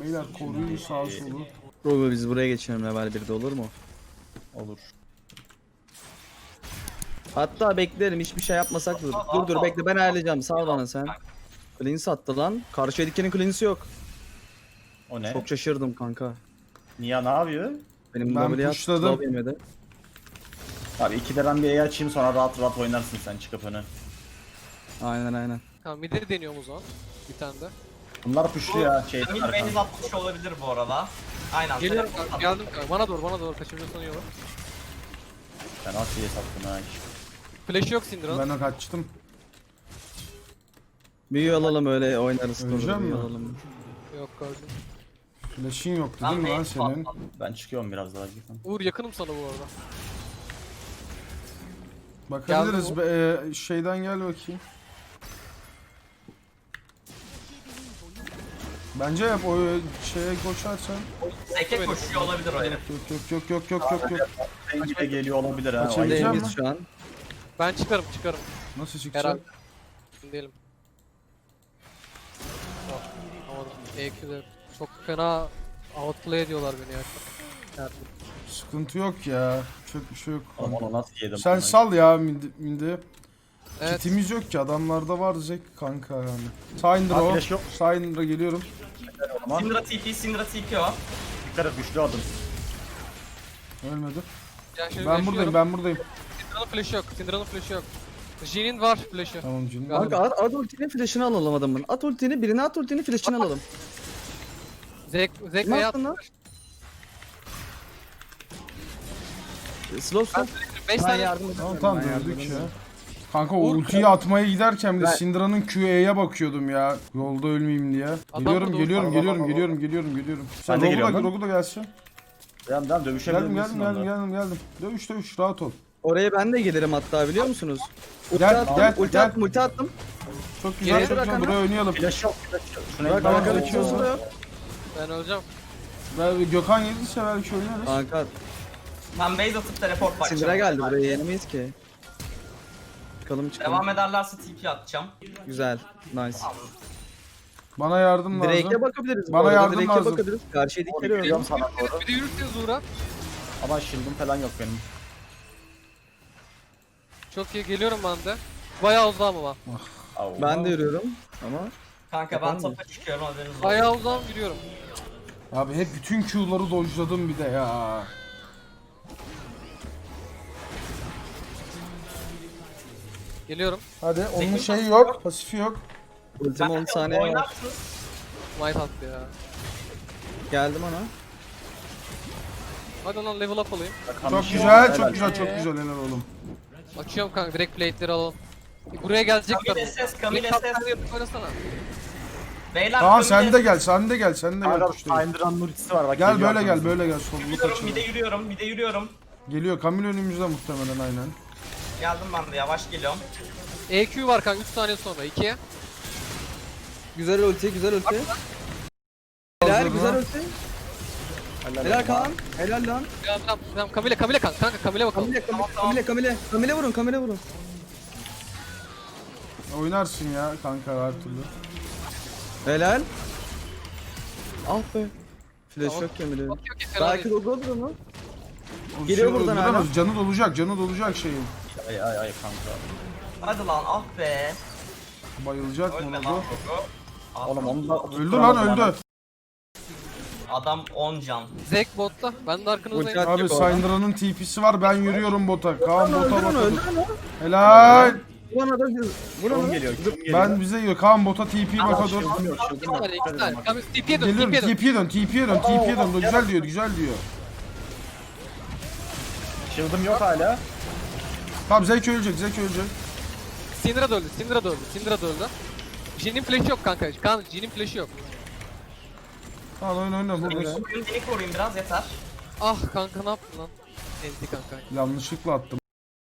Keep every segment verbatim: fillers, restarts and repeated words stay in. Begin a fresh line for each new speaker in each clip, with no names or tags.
Beyler koruyun sağ solu.
Robo biz buraya geçelim level birde olur mu?
Olur.
Hatta beklerim hiçbir şey yapmasak dur. Dur dur bekle ben ayarlayacağım sal bana sen. Cleanse attı lan. Karşı edikinin cleanse'i yok.
O ne?
Çok şaşırdım kanka.
Niye ne yapıyor?
Benim
Ben
W'ye
pushladım.
slow yemedi.
Abi ikide ben bir E açayım sonra rahat rahat oynarsın sen çıkıp öne.
Aynen aynen.
Tamam midleri deniyorum o zaman. Bir tane de.
Bunlar puşlu ya şeyden
Kamil
arkadan.
base atmış olabilir bu arada. Aynen.
Geliyorum
telefon
kanka,
attı.
geldim kanka. Bana doğru bana doğru kaçırıyorsan iyi olur.
Ben Asya'ya sattım ha.
Flash yok Syndra'nın.
Ben de kaçtım.
Büyü alalım öyle oynarız. Dur,
Öleceğim
büyü
mi?
alalım.
Yok kardeşim.
Flash'in yok
Ben
değil mi lan
base
senin?
atmadım.
Ben çıkıyorum biraz daha gittim.
Uğur yakınım sana bu arada.
Bakabiliriz.
Geldi
Be, e, şeyden gel bakayım. Bence yap o şeye koşarsan.
Seke koşuyor olabilir o herif.
Yok yok yok yok yok yok yok.
Rengi de geliyor olabilir ha.
Kaçabilecek
Aynen.
misin?
Değiliz şu an.
Ben çıkarım çıkarım.
Nasıl çıkacak?
Herhalde. Emin değilim. Yok, anlamadım. E Q'de çok fena outplay ediyorlar beni ya. Yani
Sıkıntı yok ya. Çok bir şey yok.
Oğlum onu nasıl yedim?
Sen
ben?
sal ya mindi. mindi.
evet.
Kitimiz yok ki adamlarda var Zek kanka yani. Syndra
Aa,
o.
flash yok.
Syndra geliyorum.
Ama
Syndra T P, Syndra T P o.
dikkat et güçlü adım.
Ölmedi.
Yani şöyle
Ben buradayım ben buradayım.
Syndra'nın flash'ı yok. Syndra'nın flash'ı yok. Jin'in var flash'ı.
Tamam canım.
Kanka at, at ultini flash'ını alalım adamın. At ultini birine at ultini flash'ını alalım.
Zek Zek
Ne
hayat.
yaptın lan? Slow slow.
beş
Ben
tane
yardım
Tamam
ederim,
tamam
ben yardım
döndük ya.
ederim.
Kanka o
Uğur,
ultiyi atmaya giderken de
Ben-
Syndra'nın Q E'ye bakıyordum ya. Yolda ölmeyeyim diye. Geliyorum
burada,
geliyorum
burada.
geliyorum
Baba,
geliyorum geliyorum geliyorum. Sen
Ben de
Rogu
geliyorum
da,
lan.
Rogu da gelsin.
Devam devam dövüşebilir
Geldim
misin
geldim geldim
onunla?
geldim geldim. Dövüş dövüş rahat ol.
Oraya ben de gelirim hatta biliyor musunuz? Ulti
Gel,
attım,
gel,
ulti
gel.
attım, ulti attım.
Çok güzel
Geriye
çok
bırak
güzel
ama.
buraya oynayalım.
Flash yok. Flash yok. Şuna
Bak
gitmem
arkada
lazım.
Q'su da yok.
Ben öleceğim.
Ben Gökhan gelirse belki oynarız.
Kanka
Ben base atıp teleport bakacağım.
Syndra geldi buraya yenemeyiz ki. Çıkalım çıkalım.
Devam ederlerse T P atacağım.
Güzel. Nice.
Bana yardım
Drake'e
lazım.
bakabiliriz.
Bana
bu arada,
yardım
Drake'e
lazım.
bakabiliriz. Karşıya dikkat
Geliyorum
ediyorum.
sana doğru.
Bir de yürürseniz Uğur'a.
Ama shield'ım falan yok benim.
Çok iyi geliyorum ben de. Bayağı uzağım ama.
Au.
Ben de yürüyorum ama
Kanka ben
Yapalım mı?
tapa çıkıyorum haberiniz olsun.
Bayağı uzağım yürüyorum.
Abi hep bütün Q'ları dodge'ladım bir de ya.
Geliyorum.
Hadi onun
Zekin
şeyi
pası
yok, pasifi yok.
ultim on
Ben
saniye var.
oynarsınız.
Might attı ya.
Geldim ona.
Hadi lan level up alayım.
Çok güzel, çok güzel, çok güzel helal oğlum.
Açıyorum kanka direkt plate'leri alalım. Buraya gelecek
Kamil S S, Kamil
İlk
S S.
kaptanı yapıp oynasana.
Beyler
Tamam
Kamil
sen
S S.
de gel, sen de gel, sen de gel.
Kanka
kuşlarım.
Syndra'nın ultisi var bak.
Gel
geliyor
böyle gel,
arkamızdan.
böyle gel. Solunu
Yürüyorum, bir de
kaçırma.
yürüyorum, bir de yürüyorum.
Geliyor, Kamil önümüzde muhtemelen aynen.
Geldim ben de yavaş geliyorum.
E Q var kanka üç saniye sonra ikiye.
Güzel ulti, güzel ulti. Helal,
Hazır
güzel
mı?
ulti. Helal Kaan. Helal lan.
Tamam tamam tamam Kamile Kamile kanka kanka Kamile bakalım.
Kamile, Kamile, Kamile, Kamile. Kamile vurun, Kamile vurun.
Oynarsın ya kanka her türlü.
Helal. Ah be. Flash
Tamam.
yok Kamile.
Okey okey fena
Belki
değil.
Gogo olur mu?
O
Geliyor
şey
buradan
öldüremez,
hala.
Canı dolacak, canı dolacak şeyin.
Ay ay ay kanka.
Hadi lan ah be.
Bayılacak mı
Ölme
onu
lan
bu?
Gogo. Ah,
Oğlum onu da
Öldü lan öldü.
Adam on can.
Zek botta. Ben de arkanızdayım.
Ulti
Abi
Yok oradan.
Syndra'nın T P'si var, ben yürüyorum bota. Kaan bota
Öldür onu,
bota.
öldür onu.
Helal.
Vurana da vur
Kim
onu.
geliyor? Kim geliyor?
Ben bize yok, Kaan bota T P baka dur.
İki tane iki tane. Kamil T P'ye dön
Geliyorum,
T P'ye dön.
T P'ye dön, T P'ye dön, T P'ye dön. Güzel diyor, güzel diyor.
Shield'ım yok hala.
Tamam Zek ölecek, Zek ölecek.
Syndra da öldü. Syndra da öldü. Syndra da öldü. Jin'in flash'ı yok kanka. Kan Jin'in flash'ı yok.
Tamam oyna oyna buradayız.
Koruyun, beni koruyun biraz yeter.
Ah kanka ne yaptın lan? Ezdi kanka.
Yanlışlıkla attım.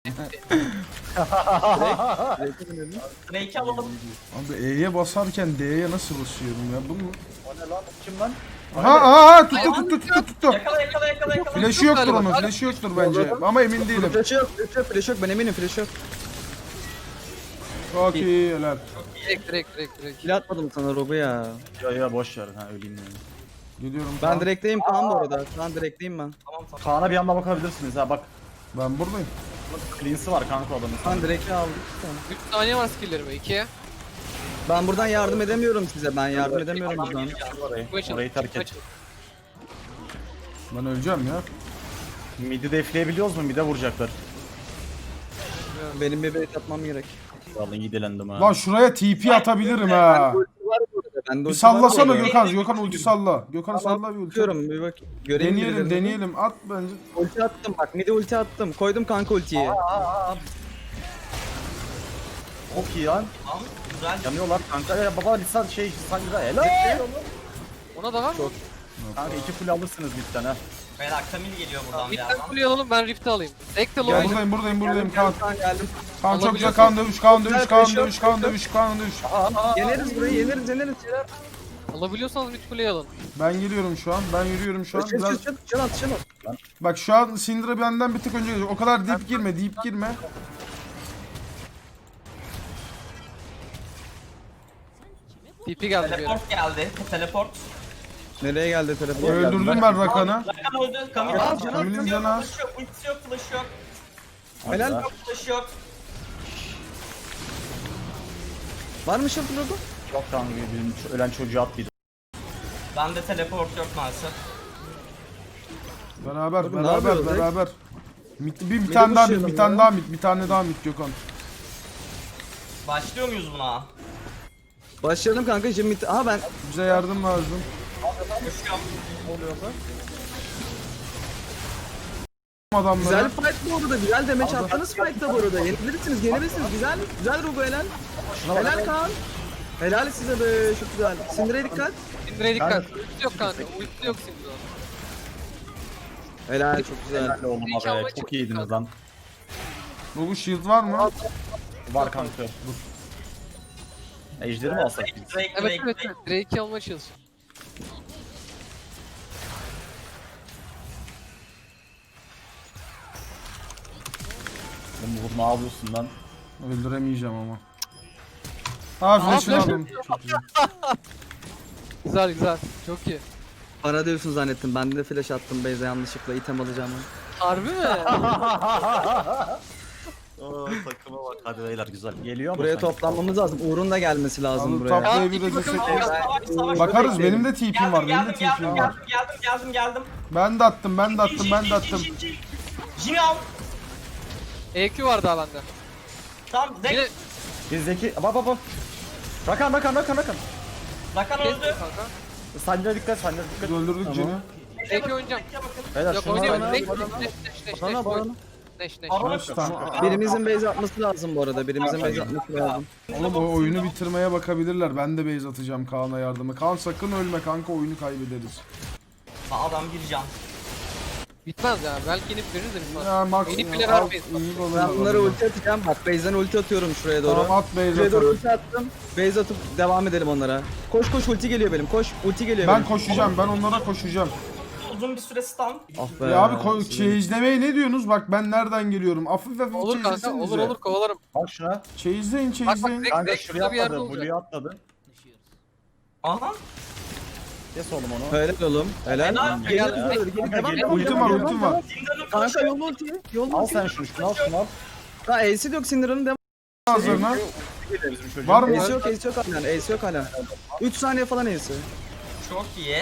Drake'i alalım.
Abi E'ye basarken D'ye nasıl basıyorum ya? Bu mu?
O ne lan? Kim lan?
Aha aha tuttu tuttu tuttu tuttu.
Yakala yakala yakala yakala.
Flash'ı yoktur
galiba.
onun, flash'ı yoktur bence. Ama emin değilim.
Flash yok, flash yok, flash yok. Ben eminim flash yok.
Çok iyi helal.
Direkt direkt direkt direkt.
Kill atmadım sana Robu ya.
Ya ya boş ver ha öleyim yani.
Geliyorum.
Ben
Kaan.
direkteyim Kaan bu arada. Kaan direkteyim ben.
Tamam tamam.
Kaan'a bir anda bakabilirsiniz ha bak.
Ben buradayım.
Cleans'ı var kanka adamın.
Kaan direkte aldık. Tamam.
üç saniye var skill'lerime. ikiye.
Ben buradan yardım edemiyorum size. Ben yardım edemiyorum
Adam
buradan.
geliyor.
Orayı,
Bu açıl.
orayı terk
bu
et.
açıl.
Ben öleceğim ya.
Mid'i defleyebiliyoruz mu? Mid'e vuracaklar.
Benim bir bait atmam gerek.
Vallahi iyi dilendim ha.
Lan şuraya T P atabilirim ha.
Ben
Bir sallasana
Gök.
Gökhan. Gökhan ulti salla. Gökhan
Tamam,
salla bir ulti.
Bakıyorum bir bak. Göreyim
Deneyelim
birilerini.
deneyelim. At bence.
Ulti attım bak. Midi ulti attım. Koydum kanka ultiyi.
Çok iyi lan.
Tamam. Güzel.
Yanıyorlar kanka. Ya baba lisan şey sangra helal.
Ona da var mı?
Kanka iki full alırsınız mid'den ha.
Beyler Kamil geliyor buradan bir
Mid'den
yerden.
kuleyi alalım ben Rift'i alayım. Ek de
Gel
low
buradayım buradayım buradayım Kaan.
Kaan geldim.
Kaan çok güzel.
Alabiliyorsun.
Kaan dövüş Kaan dövüş
Güzel,
Kaan
pressure,
dövüş Kaan
pressure.
dövüş Kaan dövüş.
Yeneriz burayı yeneriz yeneriz.
alabiliyorsanız mid kuleyi alın.
Ben geliyorum şu an. Ben yürüyorum şu an.
Çıl
Biraz...
çıl çıl çıl at çıl at.
Bak şu an Syndra benden bir tık önce gelecek. O kadar deep girme, deep girme.
T P geldi bir yere.
Teleport geldi. Teleport.
Nereye geldi telefon?
Öldürdüm ben Rakan'ı.
Rakan öldü. Kamil
Aa,
öldü.
Kamil'in
Ultisi
canı
yok,
az.
flash'ı yok, ultisi yok, flash'ı yok.
Helal.
Ha.
Flash'ı yok.
Var mı şafı logo?
Yok kanka bizim şu ölen çocuğu attıydı.
Bende teleport yok maalesef.
Beraber,
Oğlum, ne
beraber,
yapıyoruz,
beraber. Mid, bir, bir
Midi
tane daha mid,
pushlayalım
bir tane
ya.
daha mid, bir tane daha mid Gökhan.
Başlıyor muyuz buna?
Başlayalım kanka şimdi mid... Aha ben...
Bize yardım lazım.
Koşuyorum.
Adamları.
Güzel fight bu arada. Güzel demeç attınız fight'ta bu arada. Yenebilirsiniz, yenebilirsiniz. Güzel, güzel Rugo helal. Helal Kaan. Helal size be, çok güzel. Sindir'e dikkat.
Sindir'e dikkat. Ulti yok kanka. Ulti yok Sindir'e.
Helal, çok güzel.
Helal oğlum
İnşallah
abi. Çok iyiydiniz lan.
Bu shield var mı?
Var kanka. Ejderi mi alsak biz?
Drake,
Evet
Drake,
evet
Drake.
evet. Drake'i almaya çalışın.
Oğlum bu ne yapıyorsun lan?
Öldüremeyeceğim ama. Ha flash'ını
flash
aldım. Çok güzel.
Güzel güzel. Çok iyi.
Bana diyorsun zannettim. Ben de flash attım Beyza yanlışlıkla. item alacağım.
Harbi mi?
Oo takıma bak. Hadi beyler güzel. Geliyor mu?
Buraya
sanki?
toplanmamız lazım. Uğur'un da gelmesi lazım
Abi,
buraya.
top-
Ya
Burayı bir
iki
de
bakalım.
desek-
Savaş, savaş, savaş.
Bakarız
bekleyin.
benim de T P'm
Geldim,
var, benim de
geldim,
T
geldim,
P'm var.
geldim, geldim, geldim, geldim.
Ben de attım, ben de attım, ben de attım.
Jimmy al.
E Q var daha bende.
Tamam,
Yine
Drake.
Biz Zeki. Bak bak bak. Rakan Rakan Rakan Rakan.
Rakan
kes
öldü.
kanka.
Sancı'ya dikkat Sancı'ya dikkat.
Öldürdük
Tamam.
Jen'i.
E Q oynayacağım.
Beyler
Yok
şunu
oynuyorum.
bana-
Neş neş
bana-
neş neş neş
Bana
neş
bana.
neş neş.
Arona
Tamam.
Birimizin base atması lazım bu arada. Birimizin base atması lazım.
Oğlum o oyunu bitirmeye bakabilirler. Ben de base atacağım Kaan'a yardıma. Kaan sakın ölme kanka, oyunu kaybederiz.
Adam bir can.
Bitmez ya. Belki inip veririz de bitmez.
Ya Max
Benim
ya,
bile
al,
vermeyiz.
iyi olur.
Ben bunlara ulti atacağım. Bak base'den ulti atıyorum şuraya doğru.
Tamam, at base
Şuraya doğru
atalım.
ulti attım. Base atıp devam edelim onlara. Koş koş ulti geliyor benim. Koş ulti geliyor
Ben
benim.
koşacağım, ben onlara koşacağım.
Uzun bir süre stun.
Ah be.
Ya abi ko- çeyizlemeye ne diyorsunuz? Bak ben nereden geliyorum? Hafif hafif
Olur kanka.
çeyizlesenize.
Olur olur kovalarım.
Bak şuna.
Çeyizleyin,
Bak
çeyizleyin.
bak
Kanka
Zek
şuraya
şurada bir yerde
atladı.
olacak.
Blue'ya atladı.
Aha.
Kes oğlum onu.
Helal oğlum. Helal.
Helal.
Geliyor,
Helal.
geliyor, geliyor.
Kanka,
Devam,
geliyor.
devam,
Ultim
devam,
var,
devam,
ultim
devam.
var.
Sindir'in
Kanka
flash'ı yok.
yol ulti. Yol
Al
ulti.
sen şunu şunu al şunu al.
Ha Ace'i yok Cinder'ın devam.
Hazırına.
Bizim çocuğun.
Var mı?
Ace yok Ace yok halen. Ace yok halen. üç saniye falan Ace'i.
Çok iyi.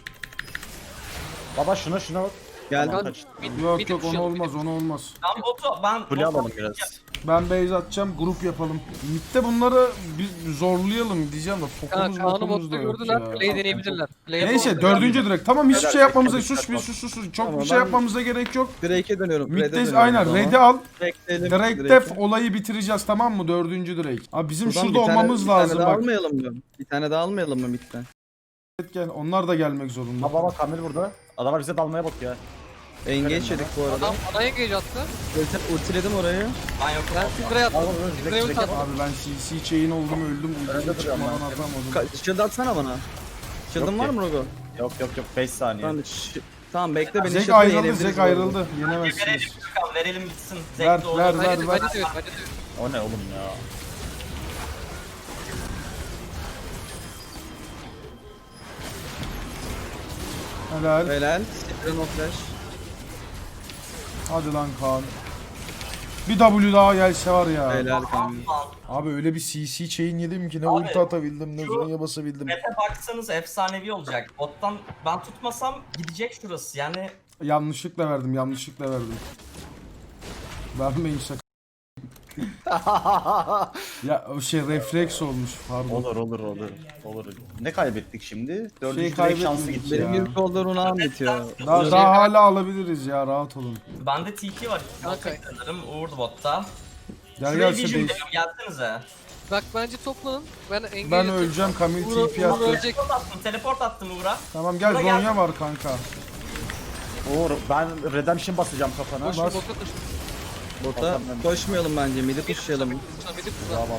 Baba şuna şuna bak.
Geldi.
Tamam, kaç.
Mid-
Yok
mid
yok onu
pushlayalım,
olmaz,
mid
onu olmaz.
Ben botu, ben
Kule
botu-
alalım biraz.
Ben base atacağım, grup yapalım. Mid'de bunları bir zorlayalım diyeceğim de
Kanka
fokumuz
Kaan'ı
mokumuz
botta
da yok
gördüler.
ya.
Play deneyebilirler. Play
Neyse
yapalım.
dördüncü direkt. Tamam hiçbir şey yapmamıza
Helal.
sus bir sus sus sus. Çok
Tamam,
bir şey
ben-
yapmamıza gerek yok.
Drake'e dönüyorum. Red'e
Mid'de
dönüyorum
aynen
o zaman.
Red'i al.
Bekleyelim.
Direkt def olayı bitireceğiz tamam mı? Dördüncü direkt. Abi bizim
Buradan
şurada
bir tane-
olmamız
bir tane
lazım
daha
bak.
almayalım mı? Bir tane daha almayalım mı midden?
Evet, gel. Onlar da gelmek zorunda.
Baba bak Kamil burada. Adamlar bize dalmaya bakıyor.
Engage yedik bu arada.
Adam ana engage attı.
Ulti- Ultiledim orayı.
Ben yokum.
Ben Sindir'e attım.
Al bunu
Sindir'e
direkt
ulti
direkt.
attım.
Abi ben C C chain oldum öldüm.
Önde
Ultiyi
duruyorum
çıkmadan
ben.
atamadım.
Ka- Shield atsana bana. Shield'ın
Yok
var
ki.
mı Rogo?
Yok yok yok beş saniye.
Tamam, ş- tamam bekle beni
Zek
shield'la
ayrıldı,
yenebiliriz
Zek
bu arada.
ayrıldı.
Verelim
Yenemezsiniz.
bakalım, verelim bitsin.
Ver,
Zevkli olur.
ver, ver.
Bence de bence de evet bence de evet.
O ne oğlum ya?
Helal.
Helal. Sikren o flash.
Hadi lan Kaan. Bir W daha gelse var ya.
Helal kanka.
Lan,
Abi öyle bir C C chain yedim ki ne
Abi,
ulti atabildim ne
şu-
zonya basabildim.
Map'e baksanız efsanevi olacak. Bottan ben tutmasam gidecek şurası. Yani
Yanlışlıkla verdim yanlışlıkla verdim. Vermeyin şaka. Ya o şey refleks olmuş pardon.
Olur olur olur. Olur. Ne kaybettik şimdi? Dördüncü direkt
kaybetmedik
şansı gitti.
ya.
Benim ilk oldu Runa'm bitiyor.
Daha,
Şey-
daha hala alabiliriz ya rahat olun.
bende T P var.
Kanka.
Sanırım Uğur botta.
Gel
Şuraya
gel
Vision
Sebeş.
diyorum, gelsenize.
Bak bence toplanın. Ben engage
Ben öleceğim Kamil
Uğur-
T P
Uğur
attı.
ölecek.
Teleport attım, teleport attım Uğur'a.
Tamam gel
Buna
zonya
gel.
var kanka.
Uğur ben Redemption basacağım kafana.
Koş,
Bas.
bota koş.
Bota koşmayalım bence. Midi pushlayalım.
Midi kısa.
Bravo.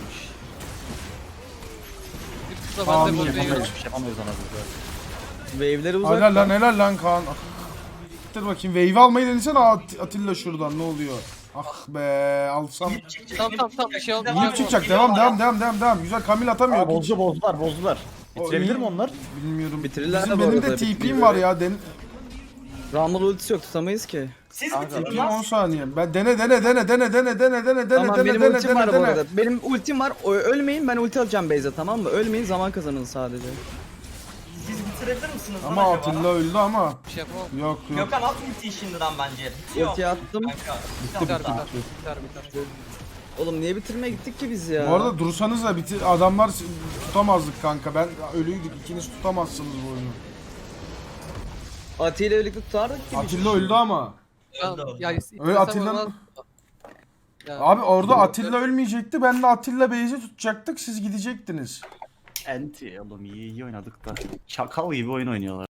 Midi kısa. Ben
Amin.
de bottayım.
Yapamayız bir şey yapamayız ona biz.
Wave'leri uzak.
Helal lan helal lan Kaan. Ah. Dur bakayım wave almayı denesene At- Atilla şuradan ne oluyor? Ah be alsam.
Tamam tamam tamam bir şey olmaz.
İyi çıkacak devam devam devam devam devam. Güzel Kamil atamıyor.
Aa, bozdu bozdular bozdular.
O
Bitirebilir
iyi.
mi onlar?
Bilmiyorum.
Bitirirler
Bizim
de bu
benim de
arada,
T P'm
bitiriyor.
var ya. Den
Rumble ultisi yok tutamayız ki.
Siz
Kanka,
bitirin
Bakayım on
lan.
saniye. Ben dene dene dene dene dene dene dene dene
Tamam
dene
benim
dene
ultim
dene
var bu
dene.
arada. Benim ultim var. O- Ölmeyin ben ulti alacağım base'e tamam mı? Ölmeyin zaman kazanın sadece.
Siz bitirebilir misiniz lan
Ama
acaba?
Atilla öldü ama.
Bir şey yapamam.
Yok yok.
Gökhan at ultiyi şimdiden bence. Bitiyor.
Ultiyi attım.
Kanka.
Biter biter. Biter biter.
Oğlum niye bitirmeye gittik ki biz ya?
Bu arada dursanız da bitir adamlar s- tutamazdık kanka. Ben ölüydük. İkiniz tutamazsınız bu oyunu.
Ati ile birlikte tutardık ki.
Atilla öldü ama.
Tamam,
Öldü.
Ya,
Öyle
istesem
Atilla'nın-
olmaz. Ya,
Abi orada Atilla ölmeyecekti. Ben de Atilla Beyzi tutacaktık. Siz gidecektiniz.
Enti oğlum iyi iyi oynadık da. Çakal gibi oyun oynuyorlar.